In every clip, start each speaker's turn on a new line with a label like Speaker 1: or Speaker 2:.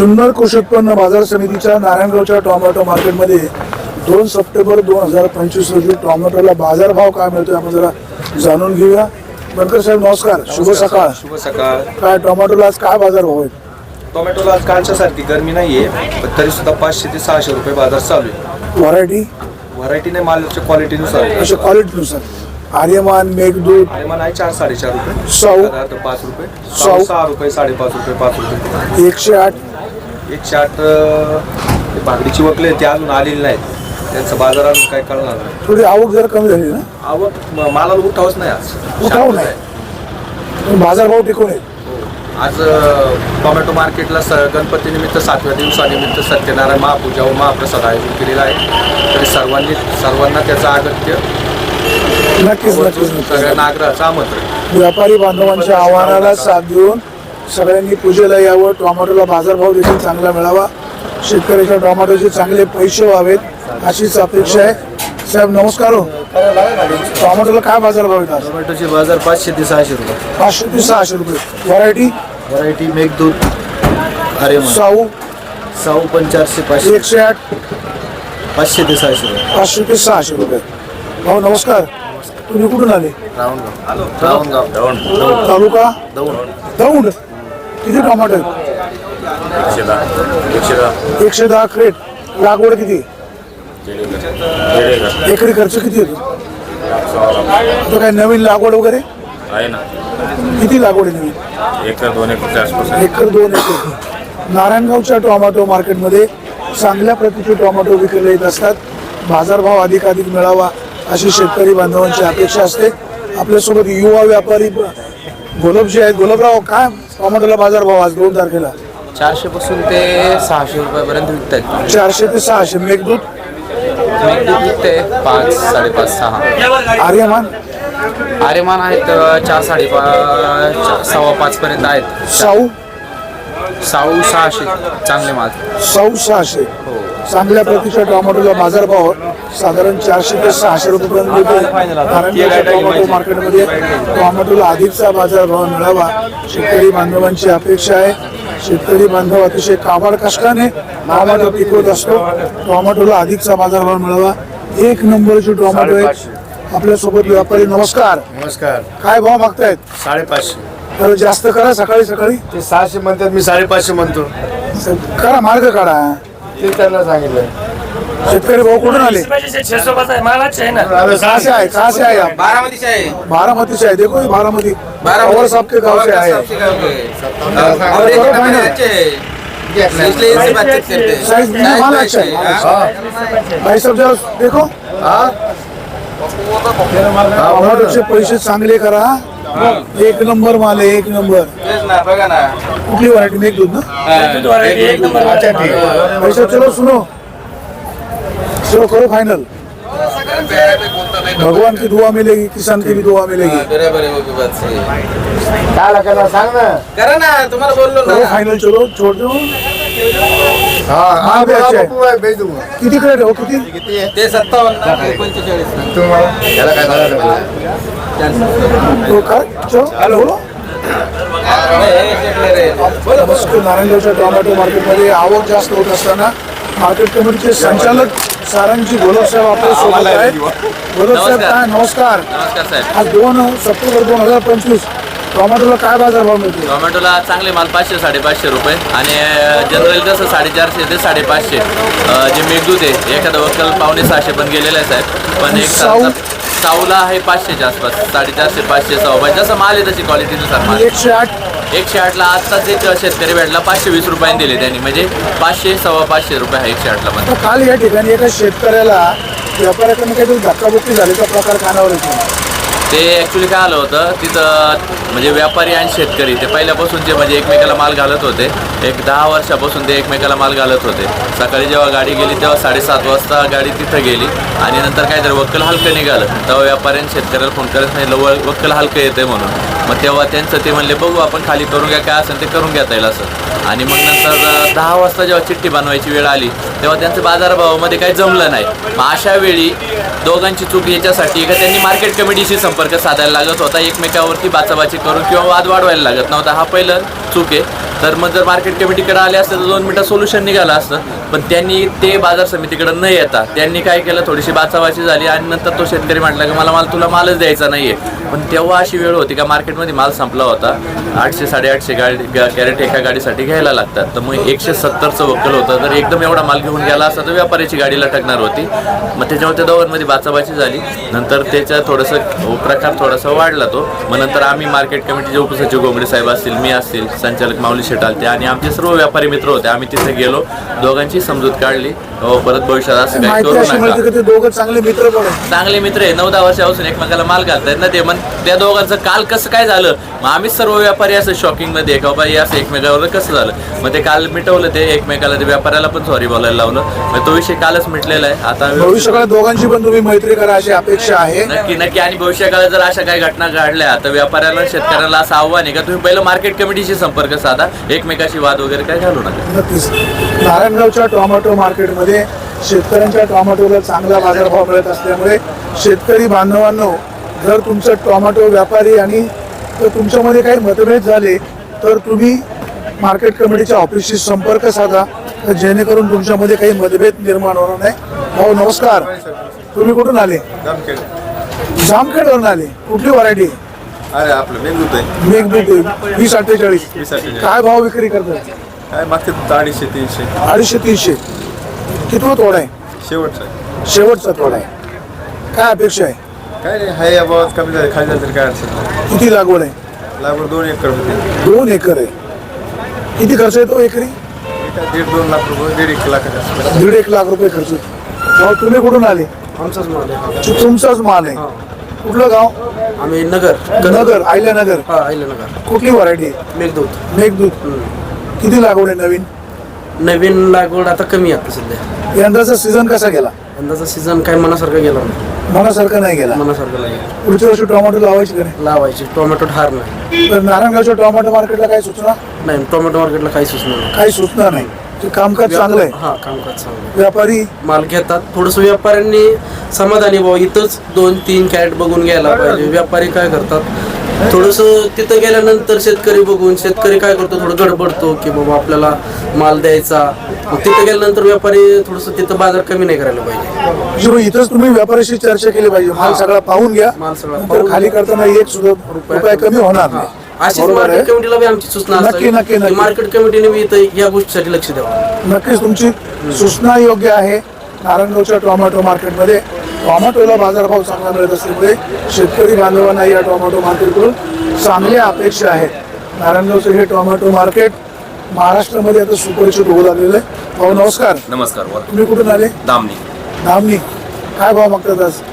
Speaker 1: जुन्नर कृषी उत्पन्न बाजार समितीच्या नारायणगावच्या टोमॅटो मार्केटमध्ये 2 सप्टेंबर 2025 रोजी टोमॅटोला बाजारभाव काय मिळतोय आपण जरा जाणून घेऊया. बनकर साहेब नमस्कार, शुभ सकाळ.
Speaker 2: शुभ सकाळ.
Speaker 1: काय टोमॅटोला आज काय बाजारभाव आहेत?
Speaker 2: टोमॅटोला आज कालच्या सारखी गरमी नाहीये, पण तरी सुद्धा 500 ते 600 रुपये बाजार चालू आहे. व्हरायटीने मालाच्या क्वालिटीनुसार
Speaker 1: अशा क्वालिटीनुसार आर्यमान, मेघदूत,
Speaker 2: आर्यमान आहे 4-4.5 रुपये,
Speaker 1: साऊ
Speaker 2: 5 रुपये,
Speaker 1: साऊ
Speaker 2: 6 रुपये, 5.5 रुपये, 5 रुपये,
Speaker 1: 108.
Speaker 2: 108 भाकरीची वकले ते अजून आलेली नाहीत, त्यांचं बाजारात काय कळणार नाही.
Speaker 1: थोडी आवक जरा कमी झाली ना?
Speaker 2: आवक मालाला उठावच नाही आज,
Speaker 1: उठाव नाही, बाजारभाव टिकून आहे.
Speaker 2: आज टोमॅटो मार्केटला गणपती निमित्त 7व्या दिवसानिमित्त सत्यनारायण महापूजा व महाप्रसाद आयोजन केलेला आहे. तरी सर्वांना त्याचं अगत्य
Speaker 1: नक्कीच
Speaker 2: सगळ्यांना आग्रहाचं आमंत्रण.
Speaker 1: व्यापारी बांधवांच्या आव्हानाला साथ देऊन सगळ्यांनी पूजेला यावं. टोमॅटोला बाजारभाव देखील चांगला मिळावा, शेतकऱ्याच्या टोमॅटोचे चांगले पैसे व्हावेत अशीच अपेक्षा आहे. साहेब नमस्कार. हो, टोमॅटोला काय बाजारभाव येतात?
Speaker 2: टोमॅटोचे बाजार 500 ते 600 रुपये.
Speaker 1: 500 ते 600 रुपये.
Speaker 2: व्हरायटी मेघदूत, आर्यमान, साऊ पण 400-500,
Speaker 1: 108,
Speaker 2: 500 ते 600 रुपये.
Speaker 1: 500 ते 600 रुपये. भाऊ नमस्कार, तुम्ही कुठून आले?
Speaker 2: रावणगाव.
Speaker 1: तालुका दौंड. किती टोमॅटो आहेत? 110 क्रेट. लागवड किती? एकरी खर्च किती येतो? आता काय नवीन लागवड वगैरे
Speaker 3: आहे ना?
Speaker 1: किती लागवड आहे नवीन?
Speaker 3: 1-2 एकरच्या आसपास.
Speaker 1: 1-2 एकर. नारायणगावच्या टोमॅटो मार्केटमध्ये चांगल्या प्रतीचे टोमॅटो विकले येत असतात. बाजारभाव अधिकाधिक मिळावा अशी शेतकरी बांधवांची अपेक्षा असते. आपल्यासोबत युवा व्यापारी गोलबजी आहेत. गोलबराव, काय टोमॅटोला बाजारभाव आज 2 तारखेला?
Speaker 4: 400 पासून ते 600 रुपयापर्यंत विकतात.
Speaker 1: 400 ते 600. मेघदूत
Speaker 4: विकते 5, 5.5, 6.
Speaker 1: आर्यमान
Speaker 4: आर्यमान आहेत 4, 5.5, 5.25 पर्यंत आहेत.
Speaker 1: साऊ
Speaker 4: 600 चांगले माल.
Speaker 1: 600. चांगल्या प्रतीच्या टोमॅटोला बाजारभाव साधारण 400 ते 600 रुपयापर्यंत मिळतो. नारायणगावच्या टोमॅटो मार्केटमध्ये टोमॅटोला अधिकचा बाजारभाव मिळावा शेतकरी बांधवांची अपेक्षा आहे. शेतकरी बांधव अतिशय काबाड कष्टाने टोमॅटो पिकवत असतो. टोमॅटोला अधिकचा बाजारभाव मिळावा. 1 नंबरचे टोमॅटो आहेत. आपल्यासोबत व्यापारी नमस्कार.
Speaker 3: नमस्कार.
Speaker 1: काय भाव मागतायत?
Speaker 3: 550.
Speaker 1: तर जास्त करा. सकाळी
Speaker 3: ते 600 म्हणतात, मी 550 म्हणतो.
Speaker 1: करा, मार्ग काढा.
Speaker 3: ते त्यांना सांगितलं.
Speaker 1: शेतकरी भाऊ कुठून आले? कहाँ से आए आप?
Speaker 2: बारामती से आहे.
Speaker 1: बारामती से आए. देखो ये बारामती और सबके गांव से आए हैं. साइज में माल अच्छा है. भाई सब जरा देखो. टोमॅटोचे पैसे चांगले करा. 1 नंबर माल आहे, 1 नंबर.
Speaker 2: बघा ना,
Speaker 1: कुठली व्हरायटी? मेघदूत ना? पैसा चलो सुनो, चलो करो फाइनल. भगवान की दुआ मिलेगी, किसान की भी दुआ मिलेगी.
Speaker 3: काय करणार सांग ना.
Speaker 2: करा ना, तुम्हाला बोललो
Speaker 1: करो फाइनल. चलो छोड़ दो. माल भी अच्छा है. किती क्रेट हो? किती?
Speaker 2: ते 57-45.
Speaker 3: त्याला काय सांगायचं?
Speaker 1: तो काय? चलो बोलो. नमस्कार. नारायणगावच्या टोमॅटो मार्केटमध्ये आवक जास्त होत असताना मार्केट कमिटीचे संचालक सारंगजी गोलब साहेब आपल्या सोबत आहेत. गोलब साहेब काय नमस्कार.
Speaker 4: नमस्कार साहेब.
Speaker 1: आज 2 सप्टेंबर 2025 टोमॅटोला काय बाजारभाव मिळतो?
Speaker 4: टोमॅटोला चांगले माल 500, 550 रुपये आणि जनरल कसं 450 ते 550. जे मेघदूत आहे एखादा वक्कल 500-600 पण गेलेला आहे साहेब. पण एक साऊला आहे 500च्या आसपास. 450, 500, 600 जसं माल आहे तशी क्वालिटीनुसार माल. 108ला आत्ताच एक शेतकरी भेटला 520 रुपयांनी दिले त्यांनी, म्हणजे 500, 550 रुपये आहे 108ला पण.
Speaker 1: काल या ठिकाणी एका शेतकऱ्याला व्यापाऱ्याकडून काहीतरी धक्काबुक्की झाल्याचा प्रकार कानावर येतो.
Speaker 4: ते ॲक्च्युली काय आलं होतं तिथं, म्हणजे व्यापारी आणि शेतकरी ते पहिल्यापासून म्हणजे एकमेकाला माल घालत होते. एक 10 वर्षापासून ते एकमेकाला माल घालत होते. सकाळी जेव्हा गाडी गेली तेव्हा 7:30 वाजता गाडी तिथं गेली आणि नंतर काहीतरी वक्कल हलकं निघालं. तेव्हा व्यापाऱ्याने शेतकऱ्याला फोन करत नाही, वक्कल हलकं येते म्हणून. मग तेव्हा त्यांचं ते म्हणले बघू आपण खाली करून घ्या, काय असेल ते करून घेता येईल असं. आणि मग नंतर 10 वाजता जेव्हा चिठ्ठी बनवायची वेळ आली तेव्हा त्यांचं बाजारभावामध्ये काही जमलं नाही. मग अशा वेळी दोघांची चूक याच्यासाठी का त्यांनी मार्केट कमिटीशी संपर्क साधायला लागत होता. एकमेकावरती बाचाबाची करून किंवा वाद वाढवायला लागत नव्हता. हा पहिलं चूक आहे. तर मग जर मार्केट कमिटीकडे आले असते तर 2 मिनिटात सोल्युशन निघालं असतं. पण त्यांनी ते बाजार समितीकडे न येता त्यांनी काय केलं, थोडीशी बाचाबाची झाली आणि नंतर तो शेतकरी म्हटला की मला तुला मालच द्यायचा नाही आहे. पण तेव्हा अशी वेळ होती का मार्केटमध्ये माल संपला होता. 800-850 कॅरेट एका गाडीसाठी घ्यायला लागतात. तर मग 170चं वक्कल होतं. तर एकदम एवढा माल घेऊन गेला असता तर व्यापाऱ्याची गाडी लटकणार होती. मग त्याच्यामुळे त्या दोघांमध्ये बाचाबाची झाली. नंतर त्याच्या थोडंसं प्रकार थोडासा वाढला तो. मग नंतर आम्ही मार्केट कमिटीचे उपसचिव गोंगडे साहेब असतील, मी असतील, संचालक माऊली शेट आलते आणि आमचे सर्व व्यापारी मित्र होते. आम्ही तिथे गेलो, दोघांची समजूत काढली. परत भविष्यात असं काही
Speaker 1: माहिती
Speaker 4: करू
Speaker 1: अशी मिळते
Speaker 4: नका.
Speaker 1: की ते दोघं चांगले मित्र पण आहेत.
Speaker 4: चांगले मित्र आहे, 9-10 वर्षापासून एकमेकाला माल घालतायत ना ते. मग त्या दोघांचं काल कसं काय झालं, मग आम्ही सर्व व्यापारी असं शॉकिंगमध्ये का बाबा हे असं एकमेकावर कसं झालं. मग ते काल मिटवलं, ते एकमेकाला ते व्यापाऱ्याला पण सॉरी बोलायला लावलं. मग तो विषय कालच मिटलेला आहे. आता
Speaker 1: भविष्यकाळात दोघांची पण तुम्ही मैत्री करा अशी अपेक्षा आहे.
Speaker 4: नक्की आणि भविष्यकाळात जर अशा काही घटना घडल्या तर व्यापाऱ्याला शेतकऱ्याला असं आव्हान आहे का तुम्ही पहिलं मार्केट कमिटीशी संपर्क साधा, एकमेकाशी वाद वगैरे काय घालू नका.
Speaker 1: नक्कीच. नारायणगावच्या टोमॅटो मार्केटमध्ये शेतकऱ्यांच्या टोमॅटोला चांगला बाजारभाव मिळत असल्यामुळे शेतकरी बांधवांनो, जर तुमचं टोमॅटो व्यापारी आणि जर तुमच्यामध्ये काही मतभेद झाले तर तुम्ही मार्केट कमिटीच्या ऑफिसशी संपर्क साधा, तर जेणेकरून तुमच्यामध्ये काही मतभेद निर्माण होणार नाही. भाऊ नमस्कार, तुम्ही कुठून आले? जामखेडवरून आले. कुठली व्हरायटी?
Speaker 3: अरे आपलं मेघदूत आहे.
Speaker 1: मेघदूत 2048.
Speaker 3: 2048.
Speaker 1: काय भाव विक्री करतात?
Speaker 3: काय मागते 250-300
Speaker 1: 250-300. कितवा तोडा आहे?
Speaker 3: शेवटचं आहे.
Speaker 1: शेवटचा तोडा आहे. काय अपेक्षा आहे?
Speaker 3: काय नाही, हाय या भावात कमी झालं, खाली झालं तरी काय अडचण नाही.
Speaker 1: किती लागवड आहे?
Speaker 3: लागवड 2 एकर होती.
Speaker 1: 2 एकर आहे. किती खर्च येतो एकरी?
Speaker 3: 1.5-2 लाख रुपये, 1.5 लाख.
Speaker 1: 1.5 लाख रुपये खर्च येतो. भाऊ तुम्ही कुठून आले?
Speaker 3: आमचाच माल आहे.
Speaker 1: तुमचाच माल आहे. कुठलं गाव?
Speaker 3: आम्ही नगर.
Speaker 1: नगर, आयल्यानगर.
Speaker 3: हा, आयल्यानगर.
Speaker 1: कुठली व्हरायटी?
Speaker 3: मेघदूत.
Speaker 1: मेघदूत. किती लागवड आहे नवीन?
Speaker 5: नवीन लागवड आता कमी आहे सध्या.
Speaker 1: यंदाचा सीझन कसा गेला?
Speaker 5: यंदाचा सीझन काय मनासारखा गेला नाही.
Speaker 1: मनासारखं नाही गेला.
Speaker 5: मनासारखं नाही
Speaker 1: पुढच्या वर्षी टोमॅटो लावायची का नाही?
Speaker 5: लावायची. टोमॅटो ठार नाही.
Speaker 1: तर नारायणगावच्या टोमॅटो मार्केटला काही सूचना?
Speaker 5: नाही, टोमॅटो मार्केटला काही सुचणार नाही.
Speaker 1: काही सूचना नाही. ते कामकाज चांगलं आहे.
Speaker 5: हा, कामकाज चांगलं आहे.
Speaker 1: व्यापारी
Speaker 5: माल घेतात. थोडंसं व्यापाऱ्यांनी समाधानी भाऊ इथंच 2-3 कॅरेट बघून घ्यायला पाहिजे. व्यापारी काय करतात, थोडंसं तिथं गेल्यानंतर शेतकरी बघून शेतकरी काय करतो, थोडं गडबडतो की बाबा आपल्याला माल द्यायचा. मग तिथं गेल्यानंतर व्यापारी थोडंसं तिथं बाजार कमी नाही करायला पाहिजे.
Speaker 1: शिवाय इथंच तुम्ही व्यापाऱ्याशी चर्चा केली पाहिजे. माल सगळा पाहून घ्या.
Speaker 5: माल सगळा
Speaker 1: नंतर
Speaker 5: पाहून
Speaker 1: खाली करताना एक सुद्धा रुपये कमी होणार नाही.
Speaker 5: अशीच
Speaker 1: बरोबर आहे.
Speaker 5: मार्केट कमिटीला बी आमची सूचना
Speaker 1: नक्की, नक्की, नक्की.
Speaker 5: मार्केट कमिटीने बी इथं या गोष्टीसाठी लक्ष द्यावं.
Speaker 1: नक्कीच तुमची सूचना योग्य आहे. नारायणगावच्या टोमॅटो मार्केटमध्ये टोमॅटोला बाजारभाव चांगला मिळत असल्यामुळे शेतकरी बांधवांना या टोमॅटो मार्केटकडून चांगल्या अपेक्षा आहेत. नारायणगावचं हे टोमॅटो मार्केट महाराष्ट्रामध्ये आता सुपरिचित होऊ लागलेलं आहे. भाऊ नमस्कार.
Speaker 6: नमस्कार.
Speaker 1: तुम्ही कुठून आले?
Speaker 6: दामनी.
Speaker 1: धामणी. काय भाव मागतात आज?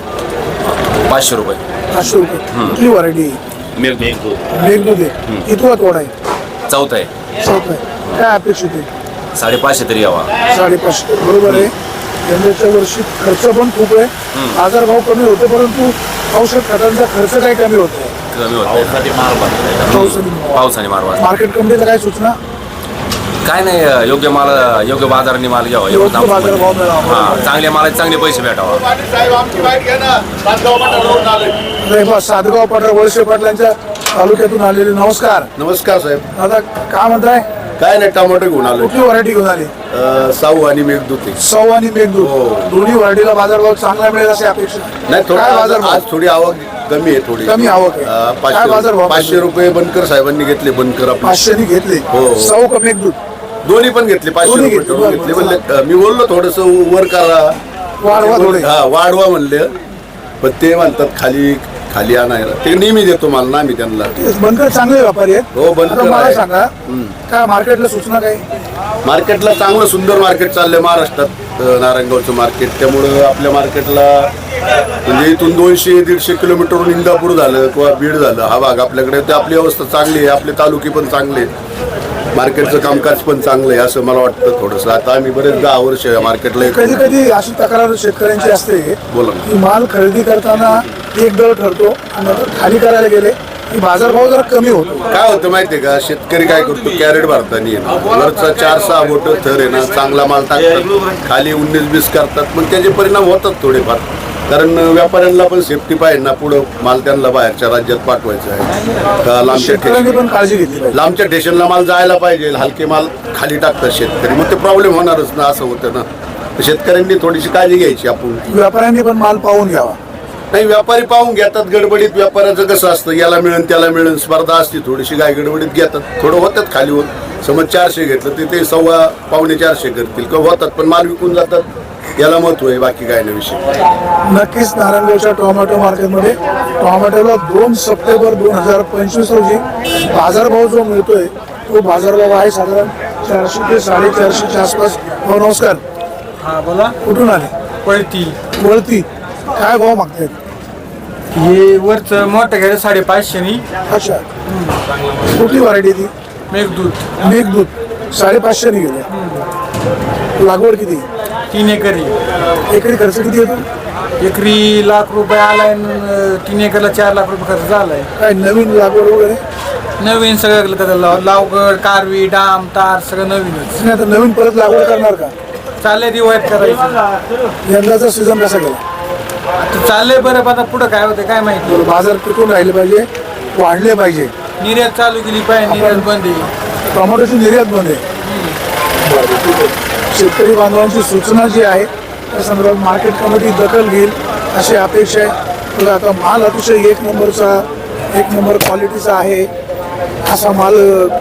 Speaker 6: 500 रुपये.
Speaker 1: 500 रुपये. कुठली व्हरायटी?
Speaker 6: मेघदूत.
Speaker 1: मेघदूत आहे. कितवा तोडा आहे?
Speaker 6: चौथा आहे.
Speaker 1: चौथा आहे. काय अपेक्षित आहे?
Speaker 6: 550 तरी यावा.
Speaker 1: 550. बरोबर आहे. यंदाच्या वर्षी खर्च पण खूप आहे. बाजारभाव कमी होते परंतु औषध खतांचा खर्च काही कमी होतो.
Speaker 6: कमी होत पावसाने मारवा.
Speaker 1: मार्केट कमिटीला काय सूचना?
Speaker 6: काय नाही, योग्य माल, योग्य बाजाराने माल घ्यावा. एवढं
Speaker 1: योग्य बाजारभाव मिळावा.
Speaker 6: हा, चांगल्या मालाचे चांगले पैसे भेटावा.
Speaker 1: सातगाव पाटरा वळसे पाटलांच्या तालुक्यातून आलेले. नमस्कार.
Speaker 3: नमस्कार साहेब.
Speaker 1: दादा काय म्हणताय?
Speaker 3: काय नाही, टोमॅटो घेऊन आलो.
Speaker 1: कुठली व्हरायटी घेऊन आली?
Speaker 3: साऊ आणि मेघदूत आहे.
Speaker 1: सौ आणि मेघदूत.
Speaker 3: हो.
Speaker 1: दोन्ही व्हरायटीला बाजारभाव चांगला मिळेल अशी अपेक्षा
Speaker 3: नाही,
Speaker 1: काय
Speaker 3: थोडं
Speaker 1: बाजारभाव?
Speaker 3: आज थोडी आवक कमी आहे. थोडी
Speaker 1: कमी आवक आहे. काय बाजारभाव?
Speaker 3: 500 रुपये बनकर साहेबांनी घेतले. बनकर आपले
Speaker 1: 500 नी घेतले.
Speaker 3: हो.
Speaker 1: सौ का मेघदूत?
Speaker 3: दोन्ही पण घेतले. 500
Speaker 1: दोन्ही
Speaker 3: रुपये
Speaker 1: घेतले.
Speaker 3: ठेवून घेतले. म्हणले मी बोललो थोडस वर करा,
Speaker 1: वाढवा थोडे.
Speaker 3: हा वाढवा म्हणले. पण ते म्हणतात खाली खाली आणायला. ते नेहमी देतो मला ना मी त्यांना.
Speaker 1: बनकर चांगले व्यापारी आहेत.
Speaker 3: हो, बनकर
Speaker 1: आता मला
Speaker 3: आहे.
Speaker 1: सांगा काय मार्केटला सूचना काय?
Speaker 3: मार्केटला चांगलं सुंदर मार्केट चाललंय महाराष्ट्रात, नारायणगावचं मार्केट. त्यामुळं आपल्या मार्केटला म्हणजे इथून 200-150 किलोमीटरवरून इंदापूर झालं किंवा बीड झालं हा भाग आपल्याकडे, ते आपली अवस्था चांगली आहे. आपले तालुके पण चांगले आहेत. मार्केटचं कामकाज पण चांगलं आहे असं मला वाटतं थोडंसं. आता आम्ही बरेच 10 वर्ष या मार्केटला
Speaker 1: कधी कधी अशी तक्रार शेतकऱ्यांची असते
Speaker 3: बोला ना.
Speaker 1: की माल खरेदी करताना एक दर ठरतो आणि नंतर खाली करायला गेले की बाजारभाव जरा कमी होतो.
Speaker 3: काय होतं माहितीये का, शेतकरी काय करतो, कॅरेट भरताना वरचा 4-6 बोट थर आहे ना, चांगला माल टाकतात, खाली 19-20 करतात. मग त्याचे परिणाम होतात थोडेफार. कारण व्यापाऱ्यांना पण सेफ्टी पाहिजे ना, पुढं माल त्यांना बाहेरच्या राज्यात पाठवायचा आहे का लांबच्या
Speaker 1: शेतकऱ्यांनी पण काळजी घेतली पाहिजे.
Speaker 3: लांबच्या स्टेशनला माल जायला पाहिजे. हलके माल खाली टाकतात शेतकरी, मग ते प्रॉब्लेम होणारच ना, असं होतं ना. तर शेतकऱ्यांनी थोडीशी काळजी घ्यायची आपण.
Speaker 1: व्यापाऱ्यांनी पण माल पाहून घ्यावा.
Speaker 3: नाही, व्यापारी पाहून घेतात गडबडीत. व्यापाऱ्याचं कसं असतं, याला मिळेल त्याला मिळेल स्पर्धा असते थोडीशी, काय गडबडीत घेतात, थोडं होतात खालीवर. समज 400 घेतलं तर ते 450 करतील किंवा होतात, पण माल विकून जातात. याला महत्व आहे, बाकी काय नाही विषय.
Speaker 1: नक्कीच नारायणगावच्या टोमॅटो मार्केटमध्ये टोमॅटोला 2 सप्टेंबर 2025 रोजी बाजारभाव जो मिळतोय तो बाजारभाव आहे साधारण 400 ते 450च्या आसपास. हो नमस्कार.
Speaker 7: हा बोला.
Speaker 1: कुठून आले?
Speaker 7: पळती
Speaker 1: वळती. काय भाव मागतायत?
Speaker 7: हे वरचं मोठं घ्यायला 550
Speaker 1: अच्छा. कुठली व्हरायटी ती?
Speaker 7: मेघदूत
Speaker 1: मेघदूत. 550 गेले. लागवड किती?
Speaker 7: 3 एकरी.
Speaker 1: एकरी खर्च किती येतो?
Speaker 7: एकरी लाख रुपये आलाय. 3 एकरला 4 लाख रुपये खर्च झालाय.
Speaker 1: काय नवीन लागवड वगैरे?
Speaker 7: नवीन सगळं लावगड, कारवी, डाम, तार सगळं नवीनच.
Speaker 1: नाही, आता नवीन परत लागवड करणार का?
Speaker 7: चाललंय दिवाळीत करायचं.
Speaker 1: यंदाचा सीझन कसा गेला?
Speaker 7: आता चाललंय बरं, पण आता पुढं काय होतं काय माहिती.
Speaker 1: बाजार टिकून राहिले पाहिजे, वाढले पाहिजे.
Speaker 7: निर्यात चालू केली पाहिजे, निर्यात बंद आहे.
Speaker 1: टोमॅटोची निर्यात बंद आहे. शेतकरी बांधवांची सूचना जी आहे त्या संदर्भात मार्केट कमिटी दखल घेईल अशी अपेक्षा आहे. तर आता माल अतिशय एक नंबर क्वालिटीचा आहे. असा माल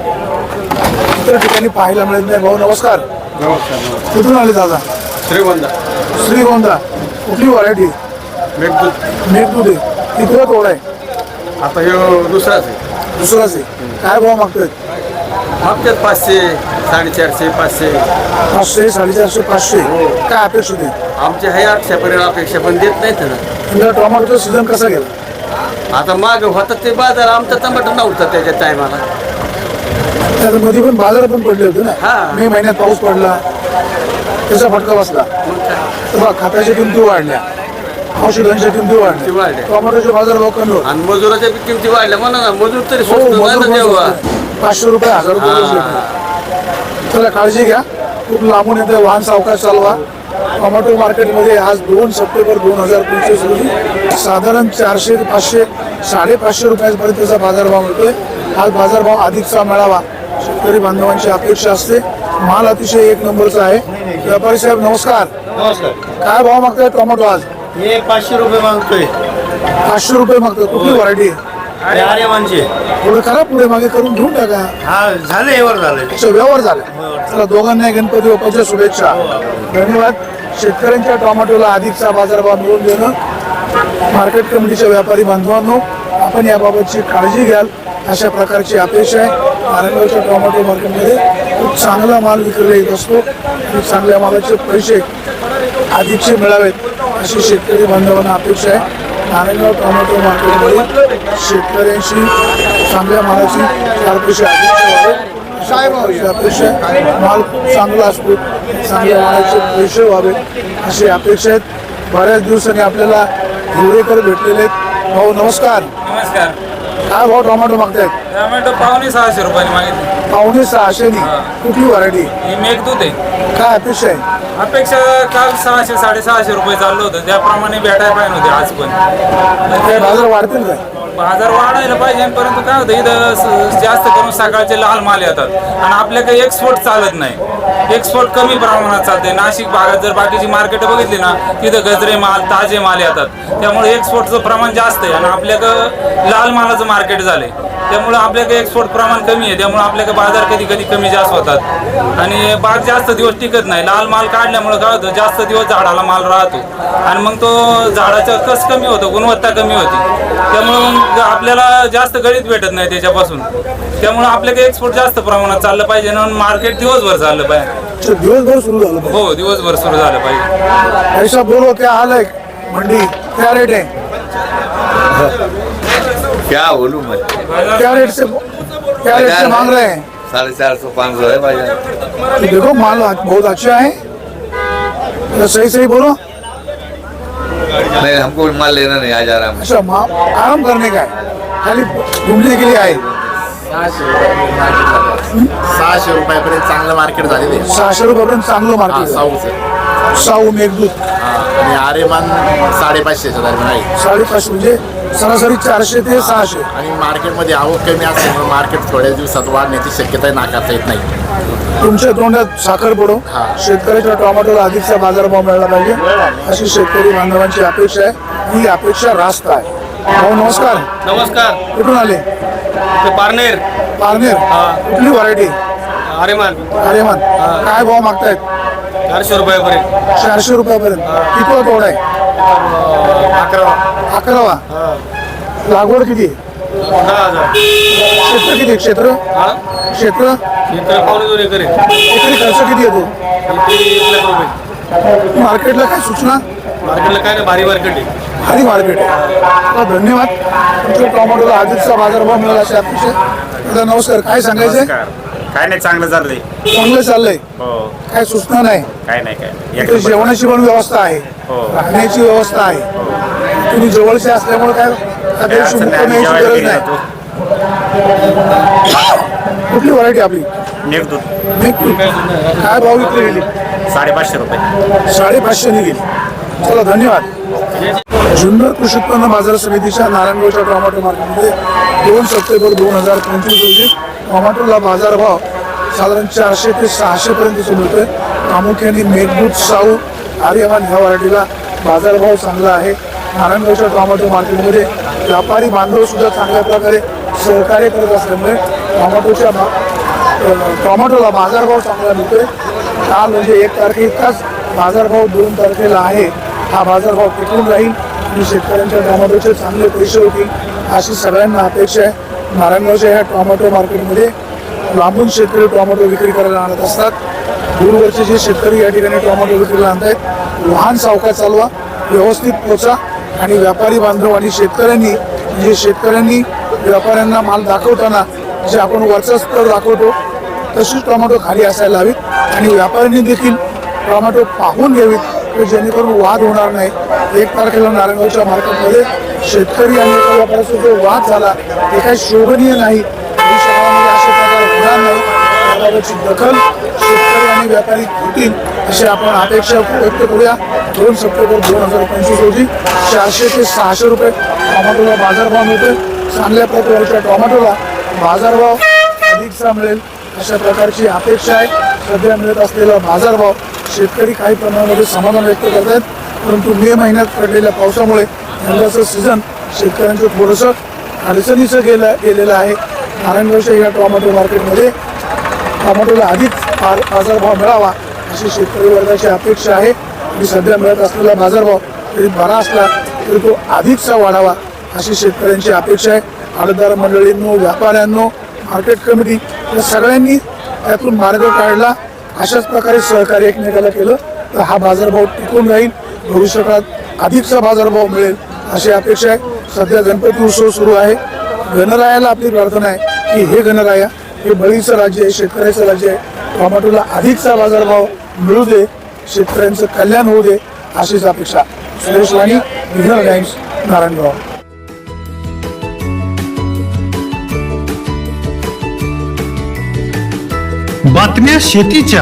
Speaker 1: इतर ठिकाणी पाहायला मिळत नाही. भाऊ नमस्कार. कुठून आले दादा? श्रीगोंदा. कुठली व्हरायटी? मेघदूत आहे. किती तोड आहे?
Speaker 2: आता हे दुसराच आहे.
Speaker 1: दुसराच आहे. काय भाव मागतोय?
Speaker 2: मागतात 500, 450, 500.
Speaker 1: 500, 450, 500. काय अपेक्षित आहे?
Speaker 2: आमच्या हे 800पर्यंत अपेक्षा, पण देत नाहीत ना.
Speaker 1: यंदा टोमॅटोचा सीझन कसा गेला?
Speaker 2: आता माग होतात ते बाजार, आमचा टमाटर नव्हता त्याच्या टायमाला.
Speaker 1: मध्ये पण बाजार पण पडले होते ना.
Speaker 2: हा.
Speaker 1: मे महिन्यात पाऊस पडला, त्याचा फटका बसला. तर बघ, खताच्या किमती वाढल्या, औषधांच्या किमती वाढल्या,
Speaker 2: वाढल्या.
Speaker 1: टोमॅटोचे बाजार भाव कमी होते.
Speaker 2: आणि मजुराच्या बी किमती वाढल्या म्हणा ना. मजूर तरी
Speaker 1: हो,
Speaker 2: स्वस्त
Speaker 1: मजूर
Speaker 2: नाही ना
Speaker 1: पण
Speaker 2: तेव्हा.
Speaker 1: स्वस्त आहे. 500 रुपये, 1000 रुपये रोज भेटतात. चला काळजी घ्या. खूप लांबून येते, वाहन सावकाश चालवा. टोमॅटो मार्केटमध्ये आज 2 सप्टेंबर 2025 रोजी साधारण 400 ते 500, 550 रुपयांपर्यंतचा बाजारभाव मिळतोय. आज बाजारभाव अधिकचा मिळावा शेतकरी बांधवांची अपेक्षा असते. माल अतिशय एक नंबरचा आहे. व्यापारी साहेब नमस्कार.
Speaker 8: नमस्कार.
Speaker 1: काय भाव मागताय टोमॅटो आज?
Speaker 8: हे 500 रुपये मागतोय.
Speaker 1: 500 रुपये मागतात. कुठली व्हरायटी?
Speaker 8: अरे आर्यमानचे.
Speaker 1: थोडं करा, पुढे मागे करून घेऊन टाका.
Speaker 8: हा झालं, एवढं झालं.
Speaker 1: अच्छा, व्यवहार झाला. चला दोघांना गणपती बाप्पाच्या शुभेच्छा. धन्यवाद. शेतकऱ्यांच्या टोमॅटोला अधिकचा बाजारभाव मिळवून देणं मार्केट कमिटीच्या व्यापारी बांधवांनो, आपण याबाबतची काळजी घ्याल अशा प्रकारची अपेक्षा आहे. नारायणगावच्या टोमॅटो मार्केटमध्ये खूप चांगला माल विक्रीला येत असतो आणि चांगल्या मालाचे पैसे अधिकचे मिळावेत अशी शेतकरी बांधवांना अपेक्षा आहे. नारायणगाव टोमॅटो मार्केटमध्ये शेतकऱ्यांशी चांगल्या मालाची 4 पैसे अधिकचे व्हावे अशी अपेक्षा आहे. माल खूप चांगला असतो, चांगल्या मालाचे पैसे व्हावे अशी अपेक्षा आहेत. बऱ्याच दिवसांनी आपल्याला हिवरेकर भेटलेले आहेत. भाऊ नमस्कार.
Speaker 7: नमस्कार.
Speaker 1: काय भाव टोमॅटो मागतायत?
Speaker 7: टोमॅटो 5,600 रुपयाने मागितले.
Speaker 1: 5,600. कुठली व्हरायटी?
Speaker 7: ही मेघदूत आहे.
Speaker 1: काय अपेक्षा आहे?
Speaker 7: अपेक्षा काल 600, 650 रुपये चाललं होतं, त्याप्रमाणे भेटायला पाहिजे होते आज पण.
Speaker 1: काय बाजार वाढतील काय?
Speaker 7: बाजार वाढायला पाहिजे, परंतु काय होतं इथं जास्त करून सकाळचे लाल माल येतात आणि आपल्याकडे एक्सपोर्ट चालत नाही. एक्सपोर्ट कमी प्रमाणात चालते. नाशिक भागात जर बाकीची मार्केट बघितली ना, तिथं गजरे माल, ताजे माल येतात. त्यामुळे एक्सपोर्टचं प्रमाण जास्त आहे आणि आपल्याकडं लाल मालाचं मार्केट झालंय. त्यामुळे आपल्याकडे एक्सपोर्ट प्रमाण कमी आहे. त्यामुळे आपल्याकडे बाजार कधी कधी कमी जास्त होतात आणि बाग जास्त दिवस टिकत नाही. लाल माल काढल्यामुळे काय होतं, जास्त दिवस झाडाला माल राहतो आणि मग तो झाडाचा कस कमी होतो, गुणवत्ता कमी होती. त्यामुळे मग आपल्याला जास्त गळीत भेटत नाही त्याच्यापासून. त्यामुळे आपल्याकडे एक्सपोर्ट जास्त प्रमाणात चाललं पाहिजे आणि मार्केट दिवसभर चाललं पाहिजे.
Speaker 1: दिवसभर सुरू झालं पाहिजे.
Speaker 7: हो, दिवसभर सुरू झालं पाहिजे.
Speaker 1: ऐसा बोलो क्या हाल है मंडी? क्या रेट है?
Speaker 4: क्या बोलूं मैं?
Speaker 1: क्या रेट से मांग रहे हैं?
Speaker 4: 450, 500 है भाई.
Speaker 1: देखो माल बहुत अच्छा है, तो सही बोलो.
Speaker 4: नहीं, हमको माल लेना नहीं, आ जा रहा हूँ.
Speaker 1: अच्छा, आराम करने का है, खाली घूमने के लिए आए.
Speaker 8: 600 रुपयापर्यंत चांगलं मार्केट झालेलं आहे.
Speaker 1: 600 रुपयापर्यंत चांगलं मार्केट.
Speaker 8: साऊचं.
Speaker 1: साऊ मेघदूत
Speaker 9: आणि आर्यमान 550च्या दरम्यान आहे
Speaker 1: 550 म्हणजे सरासरी 400 ते 600.
Speaker 9: आणि मार्केटमध्ये आवक कमी असल्यामुळे मार्केट थोड्या दिवसात वाढण्याची शक्यता नाकारता येत नाही.
Speaker 1: तुमच्या तोंडात साखर पडो, शेतकऱ्याच्या टोमॅटोला अधिकचा बाजारभाव मिळाला पाहिजे अशी शेतकरी बांधवांची अपेक्षा आहे. ही अपेक्षा रास्त आहे. भाऊ नमस्कार.
Speaker 8: नमस्कार.
Speaker 1: कुठून आले?
Speaker 8: पारनेर.
Speaker 1: पारनेर. कुठली व्हरायटी?
Speaker 8: आरेमान.
Speaker 1: अरेमान. काय भाव मागतायत?
Speaker 8: 400 रुपयापर्यंत.
Speaker 1: 400 रुपयापर्यंत. किती तोडा आहे? 11वा. लागवड किती?
Speaker 8: 10,000.
Speaker 1: क्षेत्र किती? क्षेत्र क्षेत्र
Speaker 8: इतर पावणे 2 एकर आहे.
Speaker 1: एकरी खर्च किती येतो?
Speaker 8: इथे 1 लाख रुपये.
Speaker 1: मार्केटला काय सूचना?
Speaker 8: मार्केटला काय नाही, भारी मार्केट आहे.
Speaker 1: भारी मार्केट आहे. तर धन्यवाद. तुमच्या टोमॅटोला अधिकचा बाजारभाव मिळाला अशी अपेक्षा आहे. दादा नमस्कार. काय सांगायचंय?
Speaker 10: काय नाही, चांगलं चाललंय.
Speaker 1: चांगलं चाललंय.
Speaker 10: हो.
Speaker 1: काय सूचना नाही?
Speaker 10: काय नाही काय
Speaker 1: इथे जेवणाची पण व्यवस्था आहे, राहण्याची व्यवस्था आहे. तुम्ही जवळचे असल्यामुळे काय काही मुक्काम यायची गरज नाही. कुठली व्हरायटी आपली?
Speaker 10: मेघदूत.
Speaker 1: काय भाव विक्री गेली?
Speaker 10: 550 रुपये.
Speaker 1: 550 गेली. चला धन्यवाद. जुन्नर कृषी उत्पन्न बाजार समितीच्या नारायणगावच्या टोमॅटो मार्केटमध्ये 2 सप्टेंबर 2025 रोजी टोमॅटोला बाजारभाव साधारण 400 ते 600 पर्यंत मिळतोय. प्रामुख्याने मेघदूत, साऊ, आर्यमान ह्या व्हरायटीला बाजारभाव चांगला आहे. नारायणगावच्या टोमॅटो मार्केटमध्ये व्यापारी बांधव सुद्धा चांगल्या प्रकारे सहकार्य करत असल्यामुळे टोमॅटोला बाजारभाव चांगला मिळतोय. काल म्हणजे 1 तारखेइतकाच बाजारभाव 2 तारखेला आहे. हा बाजारभाव टिकून राहील आणि शेतकऱ्यांच्या टोमॅटोचे चांगले पैसे होतील अशी सगळ्यांना अपेक्षा आहे. नारायणगावच्या ह्या टोमॅटो मार्केटमध्ये लांबून शेतकरी टोमॅटो विक्री करायला आणत असतात. दूरवरचे जे शेतकरी या ठिकाणी टोमॅटो विक्रीला आणत आहेत, वाहन सावकाश चालवा, व्यवस्थित पोचा आणि व्यापारी बांधव आणि शेतकऱ्यांनी व्यापाऱ्यांना माल दाखवताना जे आपण वरचा स्तर दाखवतो तशीच टोमॅटो खाली असायला हवीत आणि व्यापाऱ्यांनी देखील टोमॅटो पाहून घ्यावीत जेणेकरून वाद होणार नाही. 1 तारखेला नारायणगावच्या मार्केटमध्ये शेतकरी आणि एका व्यापाऱ्याचा जो वाद झाला ते काही शोभनीय नाही. भविष्यकाळामध्ये अशा प्रकार होणार नाही. त्याबाबतची दखल शेतकरी आणि व्यापारी घेतील अशी आपण अपेक्षा व्यक्त करूया. 2 सप्टेंबर 2025 रोजी 400 ते 600 रुपये टोमॅटोला बाजारभाव मिळतोय. चांगल्या प्रकारच्या टोमॅटोला बाजारभाव अधिकचा मिळेल अशा प्रकारची अपेक्षा आहे. सध्या मिळत असलेला बाजारभाव शेतकरी काही प्रमाणामध्ये समाधान व्यक्त करत आहेत. परंतु मे महिन्यात पडलेल्या पावसामुळे यंदाचं सीझन शेतकऱ्यांचं थोडंसं अडचणीचं गेलेलं आहे. नारायणगावच्या या टोमॅटो मार्केटमध्ये टोमॅटोला अधिक बाजारभाव मिळावा अशी शेतकरी वर्गाची अपेक्षा आहे. आणि सध्या मिळत असलेला बाजारभाव जरी बरा असला तरी तो अधिकचा वाढावा अशी शेतकऱ्यांची अपेक्षा आहे. आडतदार मंडळींनो, व्यापाऱ्यांनो, मार्केट कमिटी या सगळ्यांनी त्यातून मार्ग काढला. अशाच प्रकारे सहकार्य एकमेकाला केलं तर हा बाजारभाव टिकून राहील. भविष्यकाळात अधिकचा बाजारभाव मिळेल अशी अपेक्षा आहे. सध्या गणपती उत्सव सुरू आहे. गणरायाला आपली प्रार्थना आहे की हे गणराया, हे बळीचं राज्य आहे, शेतकऱ्याचं राज्य आहे. टोमॅटोला अधिकचा बाजारभाव मिळू दे, शेतकऱ्यांचं कल्याण होऊ दे अशीच अपेक्षा. सुरेश वाणी, विघ्नर टाइम्स, नारायणगाव.
Speaker 11: बातम्या शेतीच्या,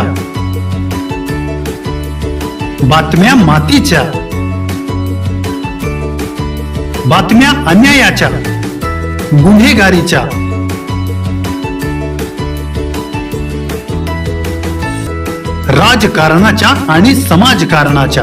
Speaker 11: बातम्या मातीच्या, बातम्या अन्यायाच्या, गुन्हेगारीच्या, राजकारणाच्या आणि समाजकारणाच्या,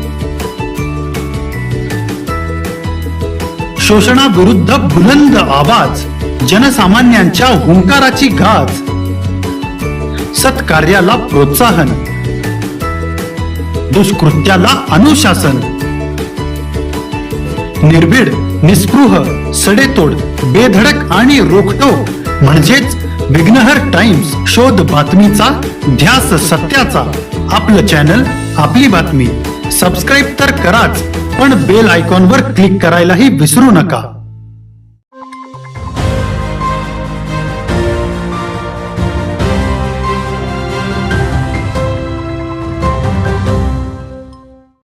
Speaker 11: शोषणाविरुद्ध बुलंद आवाज, जनसामान्यांच्या हुंकाराची गाज, सत्कार्याला प्रोत्साहन, दुष्कृत्याला अनुशासन, निर्भीड, निस्पृह, सडेतोड, बेधडक आणि रोखटोक म्हणजेच विघ्नहर टाइम्स. शोध बातमीचा, ध्यास सत्याचा. आपलं चॅनल, आपली बातमी. सबस्क्राईब तर कराच, पण बेल आयकॉनवर क्लिक करायलाही विसरू नका.